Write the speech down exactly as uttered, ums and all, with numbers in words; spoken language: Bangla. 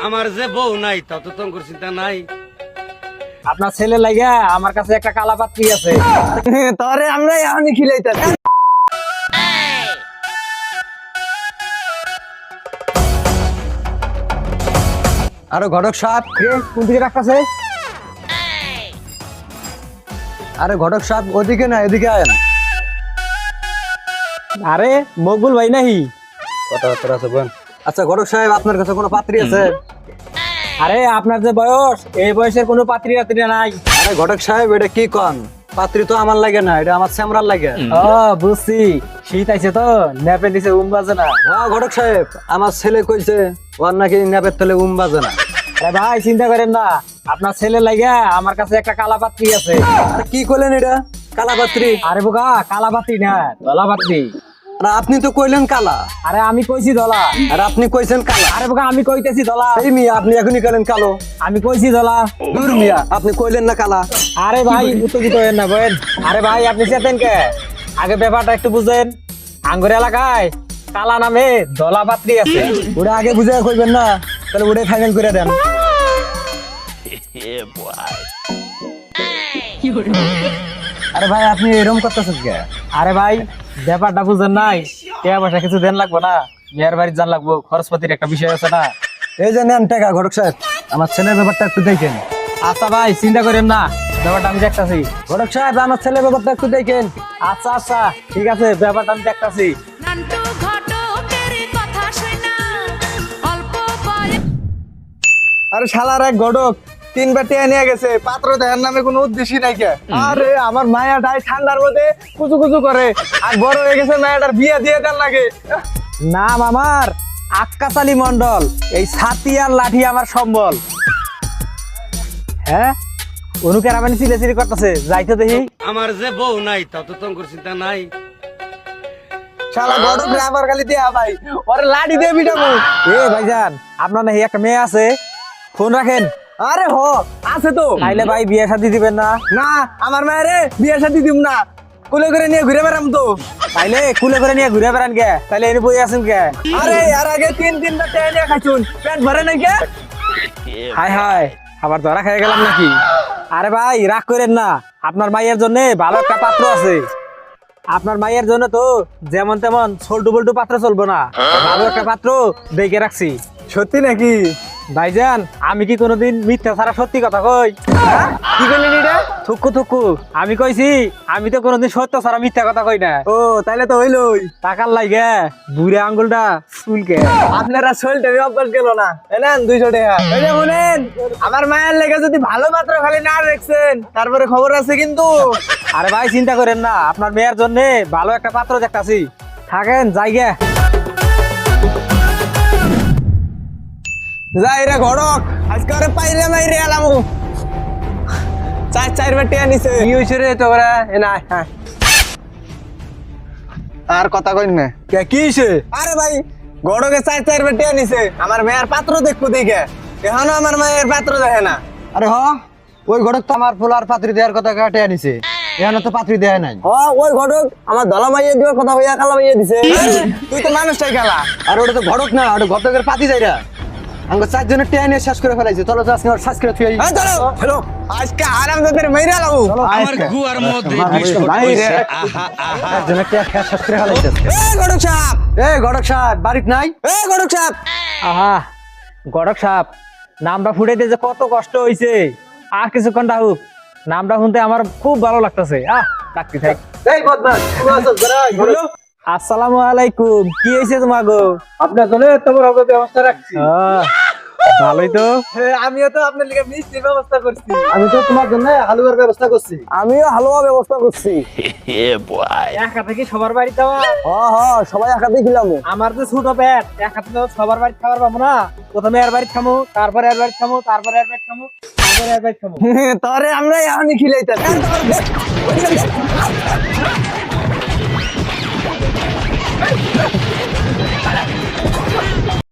আমার যে বউ নাই তত তোমার চিন্তা নাই। আপনার ছেলে লাগা আমার কাছে একটা কালা পাত্রী আছে। তরে আমরা এখনই খিলাইতাছি। আরে ঘটক সাহেব, কোন দিকে রাখতেছে? আরে ঘটক সাহেব ওদিকে না এদিকে আয়েন। আরে মকবুল ভাই নাহি? কথাবার্তা আছে বোন। আচ্ছা ঘটক সাহেব, আপনার কাছে কোনো পাত্রী আছে? আরে আপনার যে বয়স, এই বয়সের কোনো পাত্রী রাত্রী নাই। আরে ঘটক সাহেব, এটা কি কন? পাত্রী তো আমার লাগে না, এটা আমার স্যামরার লাগে। ও বুঝছি, শীত আইছে তো নেপে দিছে উম বাজে না। হ্যাঁ ঘটক সাহেব, আমার ছেলে কইছে ওর নাকি নেপের তলে উম বাজে না। আরে ভাই চিন্তা করেন না, আপনার ছেলে লাগা আমার কাছে একটা কালা পাত্রী আছে। কি করলেন এটা? কালা পাত্রী? আরে বোকা, কালা পাত্রী না, ধলা পাত্রী। আর আপনি তো কইলেন কালা। আরে আমি কইছি ধলা। আর আপনি কইছেন কালা। আরে বোকা, আমি কইতেছি ধলা। এই মিয়া, আপনি এখনই কইলেন কালো। আমি কইছি ধলা। দূর মিয়া, আপনি কইলেন না কালা। আরে ভাই উত্তেজিত হয়েন না বলেন। আরে ভাই আপনি চেতেন কে? আগে ব্যাপারটা একটু বুঝেন। আঙ্গুর এলাকায় কালা নামে ধলা পাত্রী আছে। ওটা আগে বুঝে কইবেন না, তাহলে ওটাই ফাইনাল করে দেন। আরে ভাই আপনি এরকম করতেছেন কে? আরে ভাই ব্যাপারটা বুঝেন নাই, টাকা পয়সা কিছু দেন লাগবো না, মেয়ের বাড়ি যান লাগবো, খরচপাতির একটা বিষয় আছে না। এই যে নেন টাকা ঘটক সাহেব, আমার ছেলের ব্যাপারটা একটু দেখেন। আচ্ছা ভাই চিন্তা করেন না, ব্যাপারটা আমি দেখতাছি। ঘটক সাহেব, আমার ছেলের ব্যাপারটা একটু দেখেন। আচ্ছা আচ্ছা ঠিক আছে, ব্যাপারটা আমি দেখতাছি। নান্টু ঘটকের কথা শোনা অল্প বয়স আরে শালার এক ঘটক তিনবার টিয়া নিয়ে গেছে, পাত্র দেখার নামে কোনো উদ্দেশ্যই নাই কে। আরে আমার মায়াটাই ঠান্ডার মধ্যে কুচু কুচু করে, আর বড় হয়ে গেছে মায়াটার বিয়ে দিয়ে দেন লাগে। নাম আমার আক্কাস আলী মন্ডল, এই ছাতি আর লাঠি আমার সম্বল। হ্যাঁ অনুকের আমি চিলে চিলি করতেছে, যাইতে দেখি। আমার যে বউ নাই তত তোমার চিন্তা নাই। শালা ঘটক রে আবার খালি দেয়া ভাই, ওরে লাঠি দিয়ে পিটাবো। এ ভাইজান, আপনার নাকি একটা মেয়ে আছে, ফোন রাখেন। আরে হ আছে তো। তাইলে ভাই বিয়ে শাদী দিবেন না? না আমার মায়েরে বিয়ে শাদী দিম না, কুলে করে নিয়ে ঘুরে বেড়াম তো। তাইলে কুলে করে নিয়ে ঘুরে বেড়ান কে? তাইলে এনে বই আছেন কে? আরে আর আগে তিন তিনবার টিয়া নিয়ে খাইছুন, পেট ভরে নাই কে। হাই হাই, আবার ধরা খেয়ে গেলাম নাকি? আরে ভাই রাগ করেন না, আপনার মাইয়ের জন্য ভালো একটা পাত্র আছে। আপনার মাইয়ের জন্য তো যেমন তেমন ছোল্টু বল্টু পাত্র চলবো না, ভালো একটা পাত্র দেখে রাখছি। সত্যি নাকি? ভাইজান আমি কি কোনোদিন মিথ্যা ছাড়া সত্যি কথা কই? কি করলেন এটা? থুকু থুকু আমি কইছি, আমি তো কোনোদিন সত্য ছাড়া মিথ্যা কথা কই না। ও তাইলে তো হইলই। টাকার লাগে বুড়ে আঙ্গুলটা চুলকে। আপনারা শরীরটা অভ্যাস গেল না, এনেন দুইশো টাকা। এই যে শুনেন, আমার মায়ের লেগে যদি ভালো পাত্র খালি না দেখছেন তারপরে খবর আছে কিন্তু। আরে ভাই চিন্তা করেন না, আপনার মেয়ের জন্য ভালো একটা পাত্র দেখতাছি, থাকেন জায়গা। যাই রে ঘটক, আজকে ওরে পাইরে মাইরে এলাম। চার চারবার টিয়া নিছে। কি হয়েছে রে তোরা? এ না হ্যাঁ, আর কথা কইন না। কে কি হয়েছে? আরে ভাই ঘটকে চার চারবার টিয়া নিছে, আমার মেয়ের পাত্র দেখবো দেখে, এখনো আমার মায়ের পাত্র দেখে না। আরে হ, ওই ঘটক তো আমার ফুলার পাত্রী দেওয়ার কথা কাটে আনিছে, এখানে তো পাত্রী দেয় নাই। হ ওই ঘটক আমার দলা মাইয়ে দেওয়ার কথা হইয়া কালা মাইয়ে দিছে। তুই তো মানুষটাই কালা। আর ওটা তো ঘটক না, ওটা ঘটকের পাতি যাইরা। আমরা চারজনের টেয়া নিয়ে শেষ করে ফেলাইছে। চলো তো আজকে ওর শেষ করে থুই। হ্যাঁ চলো চলো, আজকে আরাম তোদের মাইরা লাবো। আমার গুয়ার মধ্যে আমার বিস্কুট ভাই রে। পয়সা, আহা আহা। চারজনের টেয়া খেয়ে শেষ করে ফেলাইছে। এ ঘটক সাহেব, এ ঘটক সাহেব বাড়িতে নাই? এ ঘটক সাহেব। আহা গড়ক সাপ, নামটা ফুটাইতে যে কত কষ্ট হইছে। আর কিছুক্ষণ ডাকুক, নামটা শুনতে আমার খুব ভালো লাগতেছে। আহ ডাকতে থাক। এই বদমাশ, তুমি আসো জরাই বলো। আসসালামু আলাইকুম, কি হয়েছে তোমার গো? আপনার জন্য তোমার হবে ব্যবস্থা রাখছি। আহ, ভালোই তো। আমিও তো আপনার লিগে মিষ্টির ব্যবস্থা করছি। আমি তো তোমার জন্য হালুয়ার ব্যবস্থা করছি। আমিও হালুয়া ব্যবস্থা করছি। একা থেকে সবার বাড়ি যাওয়া, হ হ সবাই একাতে খিলাম। আমার যে ছোট পেট, একা থেকে সবার বাড়ি খাবার পাবো না। প্রথমে এর বাড়ি খামো, তারপরে এর বাড়ি খামো, তারপরে এর বাড়ি খামো, তারপরে এর বাড়ি খামো। তরে আমরা এখনই খিলাইতাম।